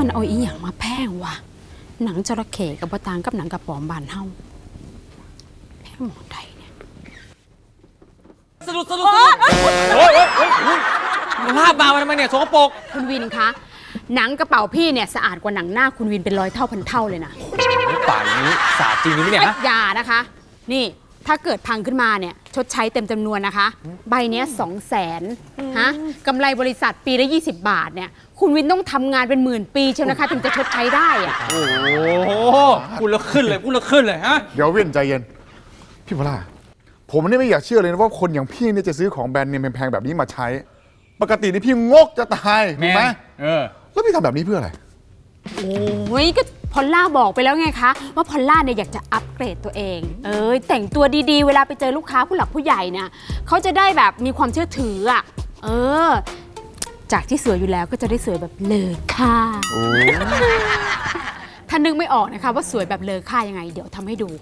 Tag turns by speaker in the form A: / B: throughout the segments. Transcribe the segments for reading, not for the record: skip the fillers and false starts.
A: มันเอาอีหยังมาแพงวะหนังจระเข้กับบะตางกับหนังกระป๋อมบานเฮาแพงหมดใดเนี่ย
B: สรุปโอ้ยมันลาบมาทำไมเนี่ยสกปรก
A: คุณวินคะหนังกระเป๋าพี่เนี่ยสะอาดกว่าหนังหน้าคุณวินเป็น100 เท่าพันเท่าเลยนะ
B: ป่านนี้สาจริงนี่เนี่ย
A: อย่านะคะนี่ถ้าเกิดพังขึ้นมาเนี่ยชดใช้เต็มจำนวนนะคะใบเนี้ย200,000ฮะกำไรบริษัทปีละ20 บาทเนี่ยคุณวินต้องทำงานเป็น10,000 ปีเชียวนะคะถึงจะชดใช้ได้อะ
B: โอ้โหพูดแล้วขึ้นเลยฮะ
C: เดี๋ยวเว้นใจเย็นพี่พลาผมนี่ไม่อยากเชื่อเลยนะว่าคนอย่างพี่เนี่ยจะซื้อของแบรนด์เนมแพงๆแบบนี้มาใช้ปกตินี่พี่งกจะตายถูกไหมแล้วพี่ทำแบบนี้เพื่ออะไร
A: โอ้ยก็พอลล่าบอกไปแล้วไงคะว่าพอลล่าเนี่ยอยากจะอัปเกรดตัวเองแต่งตัวดีๆเวลาไปเจอลูกค้าผู้หลักผู้ใหญ่เนี่ยเขาจะได้แบบมีความเชื่อถืออ่ะจากที่สวยอยู่แล้วก็จะได้สวยแบบเลอค่าถ้านึกไม่ออกนะคะว่าสวยแบบเลอค่ายังไงเดี๋ยวทำให้ดู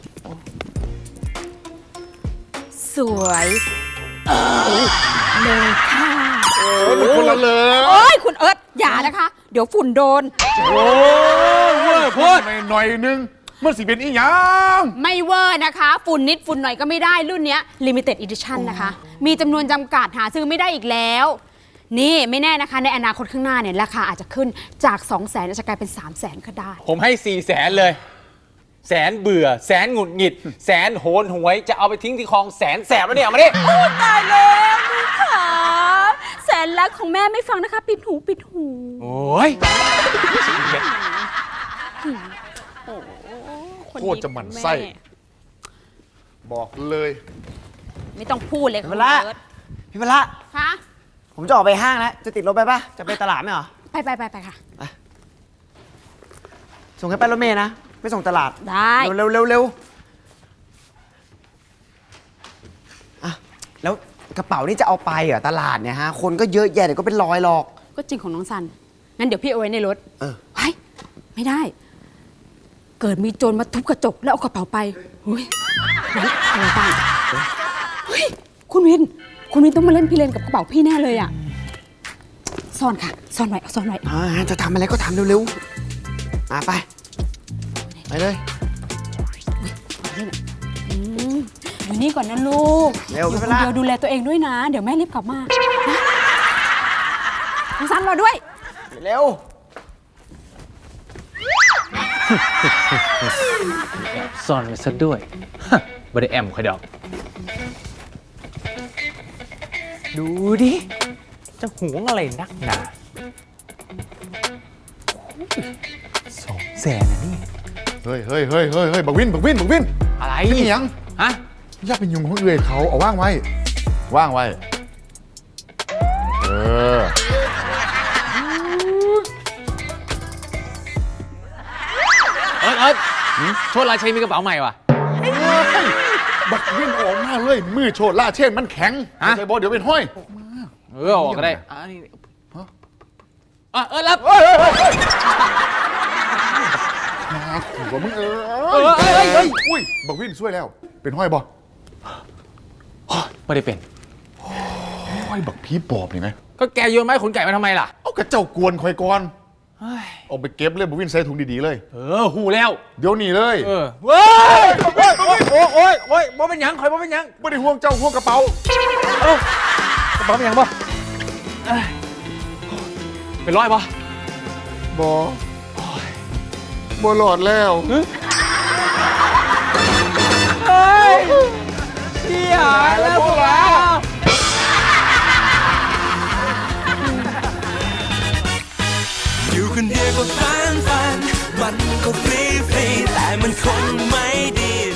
A: สวยเลอค่า
C: มันคนละเลย
A: โอ้ยคุณเอิร์ธอย่านะคะเดี๋ยวฝุ่นโดน
C: โอ้ยพูดหน่อยนึงมันสิเป็นอีหยัง
A: ไม่เวอร์นะคะฝุ่นนิดฝุ่นหน่อยก็ไม่ได้รุ่นนี้ Limited Edition นะคะมีจำนวนจำกัดหาซื้อไม่ได้อีกแล้วนี่ไม่แน่นะคะในอนาคตข้างหน้าเนี่ยราคาอาจจะขึ้นจาก 200,000 จะกลายเป็น 300,000 ก็ได้
B: ผมให้400,000เลยแสนเบื่อแสนหงุดหงิดแสนโหนหวยจะเอาไปทิ้งที่คลองแสนแสบแล้วเนี่ยเอามาดิ
A: ตายแล้วลูกขาแสนรักของแม่ไม่ฟังนะคะปิดหู
B: โอ้ย
C: โคตรจะหมั่นไส้บอกเลย
A: ไม่ต้องพูดเลย
D: พี่พละพี่พละ
A: คะ
D: ผมจะออกไปห้างแล้วจะติดรถไปปะจะไปตลาดไหมเหรอ
A: ไปค่ะ
D: ส่งให้ไปรถเมล์นะไม่ส่งตลาด
A: ได้
D: เร็วอ่ะแล้วกระเป๋านี่จะเอาไปเหรอตลาดเนี่ยฮะคนก็เยอะแยะเดี๋ยวก็เป็นร้อยหรอก
A: ก็จริงของน้องซันงั้นเดี๋ยวพี่เอาไว้ในรถเฮ้ยไม่ได้เกิดมีโจรมาทุบกระจกแล้วเอากระเป๋าไปเฮ้ยงั้นอะไรบ้างเฮ้ยคุณวินต้องมาเล่นพี่เลนกับกระเป๋าพี่แน่เลยอ่ะซ่อนค่ะซ่อนไว้
D: จะทำอะไรก็ทำเร็วๆไปเลย
A: อยู่นี่ก่อนนะลูก
D: เร็ว
A: เดี๋ยวดูแลตัวเองด้วยนะเดี๋ยวแม่รีบกลับมาน้องซันรอด้วย
D: เร็ว
B: ซ่อนไว้ซะด้วยบ่ได้แอมใครดอกดูดิจะหวงอะไรนักหนา200,000นะนี่
C: เฮ้ยบักวิน
B: อะไร
C: นี่ยัง
B: ฮะ
C: อย่าเป็นยุงของเอื่อยเขาเอาว่างไว้เ
B: อิร์ธโชดราชัยมีกระเป๋าใหม่ว่ะ
C: บักวินออกมาเลยมือโชดล่าเช่นมันแข็งใส่บอลเดี๋ยวเป็นห้อย
B: ออกก็ได้รับ
C: มาขู่ว่ามึงอุ้ยบักวินช่วยแล้วเป็นห้อยบอ
B: ไม่ได้เป็น
C: ห้อยบักผีปอบนี่ไหม
B: ก็แกโยนไม้ขนไก่มาทำไมล่ะ
C: เอากระเจ้ากวนคอยก่อนเอาไปเก็บเลยบักวินใส่ถุงดีๆเลย
B: หูแล้ว
C: เดี๋ยวนี้เลย
B: โอ้ยบ่เป็นยังคอยบ่เป็นยัง
C: ไม่ได้ห่วงเจ้าห่วงกระเป๋
B: ากระเป๋าเป็นยังบ่เป็นร้อยบ่
C: หลอดแล้ว
B: เสียแล้วพวกเรา
E: อยู่คนเดียวก็ฟันมันก็ฟรีแต่มันคงไม่ดี